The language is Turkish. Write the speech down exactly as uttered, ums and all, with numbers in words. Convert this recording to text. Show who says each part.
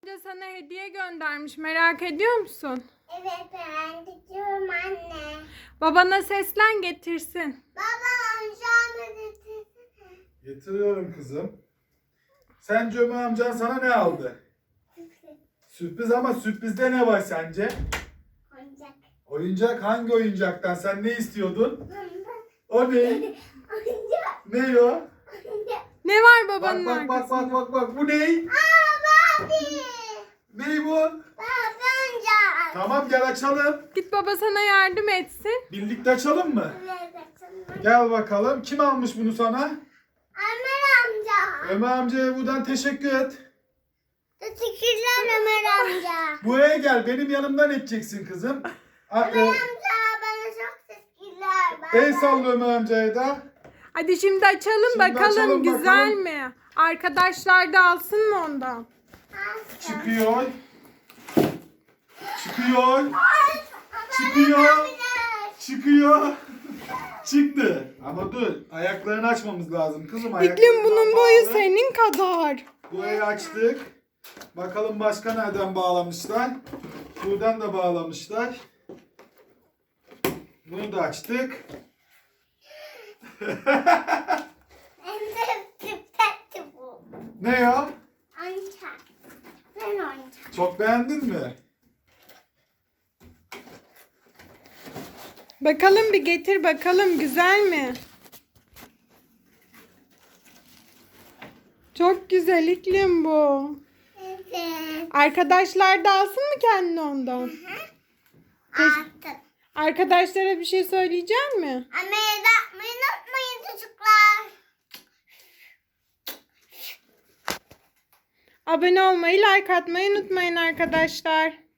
Speaker 1: Amca sana hediye göndermiş. Merak ediyor musun?
Speaker 2: Evet, ben gidiyorum anne.
Speaker 1: Babana seslen getirsin.
Speaker 2: Baba, amcamı getirsene.
Speaker 3: Getiriyorum kızım. Sence Ömer amcan sana ne aldı? Sürpriz ama sürprizde ne var sence?
Speaker 2: Oyuncak.
Speaker 3: Oyuncak hangi oyuncaktan? Sen ne istiyordun? O ne?
Speaker 2: Oyuncak.
Speaker 3: Ne o?
Speaker 2: Oyuncak.
Speaker 1: Ne var
Speaker 3: Bak
Speaker 1: babanın
Speaker 3: bak bak
Speaker 1: arkasında?
Speaker 3: bak bak bak. Bu ne?
Speaker 2: Aa, Barbie.
Speaker 3: Ne bu?
Speaker 2: Barbie oyuncak.
Speaker 3: Tamam gel açalım.
Speaker 1: Git baba sana yardım etsin.
Speaker 3: Birlikte açalım mı?
Speaker 2: Evet, açalım.
Speaker 3: Gel bakalım. Kim almış bunu sana?
Speaker 2: Ömer amca.
Speaker 3: Ömer amcaya buradan teşekkür et.
Speaker 2: Teşekkürler Ömer amca.
Speaker 3: Buraya gel. Benim yanımdan edeceksin kızım. A-
Speaker 2: Ömer
Speaker 3: e,
Speaker 2: amca bana çok teşekkürler. Baba.
Speaker 3: El salla Ömer amcaya da.
Speaker 1: Hadi şimdi açalım
Speaker 3: Şimdi
Speaker 1: bakalım
Speaker 3: açalım,
Speaker 1: güzel
Speaker 3: bakalım.
Speaker 1: mi? Arkadaşlar da alsın mı ondan?
Speaker 3: Çıkıyor. Çıkıyor. Çıkıyor. Çıkıyor. Çıktı. Ama dur. Ayaklarını açmamız lazım kızım.
Speaker 1: İklim
Speaker 3: Ayaklarından
Speaker 1: bunun boyu
Speaker 3: bağlı.
Speaker 1: senin kadar.
Speaker 3: Burayı açtık. Bakalım başka nereden bağlamışlar. Buradan da bağlamışlar. Bunu da açtık.
Speaker 2: Hem de süperdi bu.
Speaker 3: Ne ya?
Speaker 2: Oyuncak. Ben oyuncak.
Speaker 3: Çok beğendin mi?
Speaker 1: Bakalım bir getir bakalım güzel mi? Çok güzel iklim bu.
Speaker 2: Evet.
Speaker 1: Arkadaşlar da alsın mı kendine ondan?
Speaker 2: Artık.
Speaker 1: Arkadaşlara bir şey söyleyecek mi?
Speaker 2: Anneye de atmayı unutmayın çocuklar.
Speaker 1: Abone olmayı, like atmayı unutmayın arkadaşlar.